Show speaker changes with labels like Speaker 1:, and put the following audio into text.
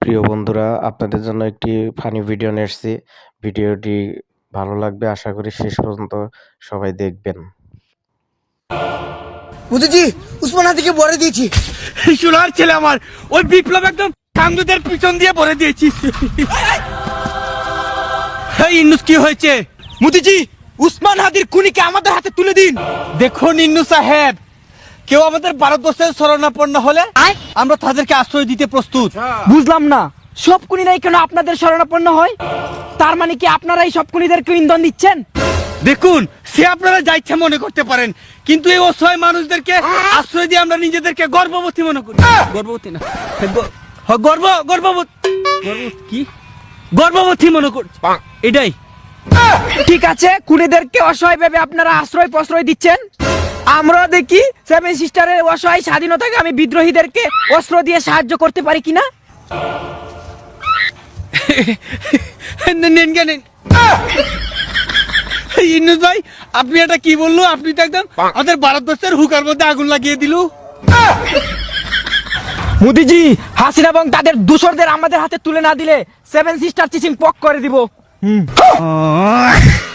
Speaker 1: প্রিয় বন্ধুরা, আপনাদের জন্য একটি ফানি ভিডিও নিয়ে এসেছি। ভিডিওটি ভালো লাগবে, আশা করি শেষ পর্যন্ত সবাই দেখবেন।
Speaker 2: মোদিজি উসমান হাদিকে ভরে দিয়েছি।
Speaker 3: সোনার ছেলে আমার, ওই বিপ্লব একদম কামদুদের পিছন দিয়ে ভরে দিয়েছি। এই ইন্নুস কি হয়েছে?
Speaker 2: মোদিজি উসমান হাদির খুনিকে আমাদের হাতে তুলে দিন।
Speaker 3: দেখুন ইন্নু সাহেব, কেউ আমাদের ভারতবর্ষের শরণাপন্ন হলে আমরা তাদেরকে আশ্রয় দিতে প্রস্তুত।
Speaker 4: বুঝলাম না, সব খুনিরাই কেন আপনাদের শরণাপন্ন হয়? তার মানে কি আপনারা এই সব খুনিদেরকে ইন্ধন দিচ্ছেন?
Speaker 3: দেখুন, সে আপনারা যা ইচ্ছা মনে করতে পারেন, কিন্তু এই অসহায় মানুষদেরকে আশ্রয় দিয়ে আমরা নিজেদেরকে গর্ভবতী মনে করি। গর্ভবতী না, গর্ভবতী মনে করছি, এটাই।
Speaker 4: ঠিক আছে, খুনিদেরকে অসহায় ভেবে আপনারা আশ্রয় প্রশ্রয় দিচ্ছেন। আমরা দেখি সেভেন সিস্টারের অসহায় স্বাধীনতাকে আমি বিদ্রোহীদেরকে অস্ত্র দিয়ে সাহায্য করতে পারি কিনা।
Speaker 3: নেন গে, নেন। ইন্নুস ভাই, আপনি এটা কি বললো? আপনি তো একদম আমাদের ভারতবর্ষের হুকার মধ্যে আগুন লাগিয়ে দিল।
Speaker 4: মোদিজি, হাসিনা এবং তাদের দূষরদের আমাদের হাতে তুলে না দিলে সেভেন সিস্টার চিচিং পক করে দিব।